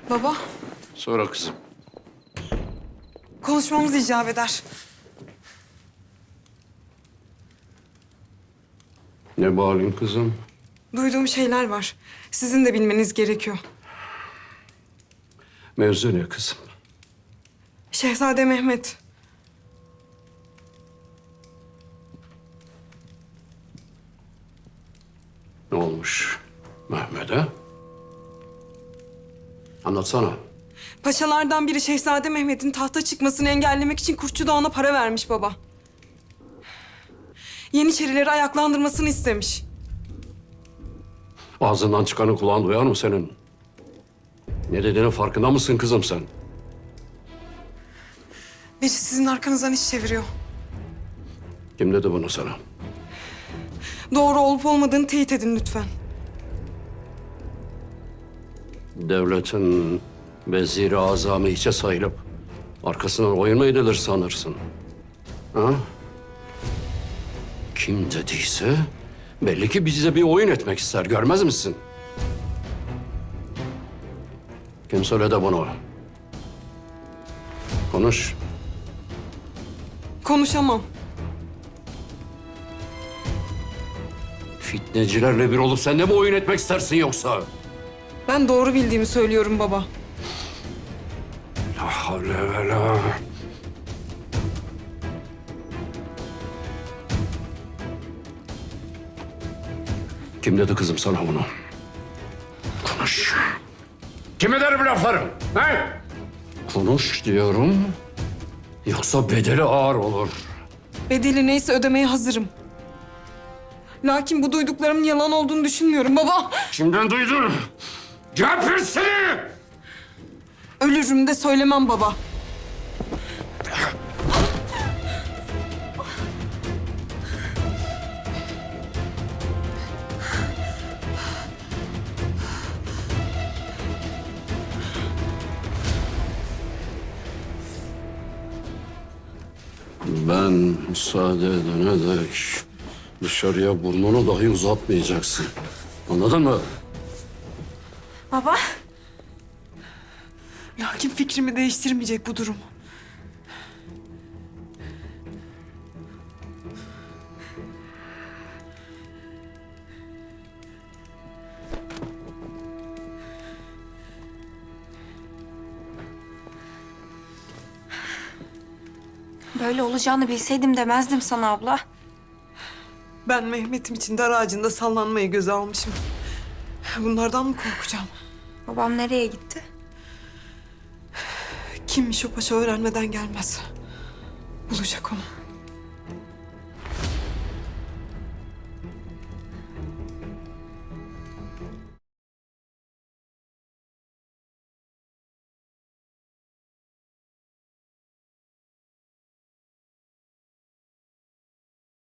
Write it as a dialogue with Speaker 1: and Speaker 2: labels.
Speaker 1: Baba,
Speaker 2: Sonra kızım.
Speaker 1: konuşmamız icap eder.
Speaker 2: Ne bağırayım kızım?
Speaker 1: Duyduğum şeyler var. Sizin de bilmeniz gerekiyor.
Speaker 2: Mevzu ne kızım?
Speaker 1: Şehzade Mehmet.
Speaker 2: Ne olmuş Mehmet'e? Anlatsana.
Speaker 1: Paşalardan biri Şehzade Mehmet'in tahta çıkmasını engellemek için Kurtçu Dağı'na para vermiş baba. Yeniçerileri ayaklandırmasını istemiş.
Speaker 2: Ağzından çıkanı kulağın duyar mı senin? Ne dediğinin farkında mısın kızım sen?
Speaker 1: Biri sizin arkanızdan iş çeviriyor.
Speaker 2: Kim dedi bunu sana?
Speaker 1: Doğru olup olmadığını teyit edin lütfen.
Speaker 2: Devletin veziri azamı hiçe sayılıp arkasından oyun mu edilir sanırsın? Ha? Kim dediyse belli ki bize bir oyun etmek ister. Görmez misin? Kim söyledi bunu? Konuş.
Speaker 1: Konuşamam.
Speaker 2: Fitnecilerle bir olup sen de mi oyun etmek istersin yoksa?
Speaker 1: Ben doğru bildiğimi söylüyorum baba.
Speaker 2: La havle ve la. Kim dedi kızım sana bunu? Konuş. Kim eder bu lafları? He? Konuş diyorum. Yoksa bedeli ağır olur.
Speaker 1: Bedeli neyse ödemeye hazırım. Lakin bu duyduklarımın yalan olduğunu düşünmüyorum baba.
Speaker 2: Kimden duydun? Geber seni!
Speaker 1: Ölürüm de söylemem baba.
Speaker 2: Ben müsaade edene dek dışarıya burnunu dahi uzatmayacaksın. Anladın mı?
Speaker 3: Baba,
Speaker 1: Lakin fikrimi değiştirmeyecek bu durum.
Speaker 3: böyle olacağını bilseydim demezdim sana abla.
Speaker 1: Ben Mehmet'im için dar ağacında sallanmayı göze almışım. Bunlardan mı korkacağım?
Speaker 3: Babam nereye gitti?
Speaker 1: Kimmiş o paşa öğrenmeden gelmez. Bulacak onu.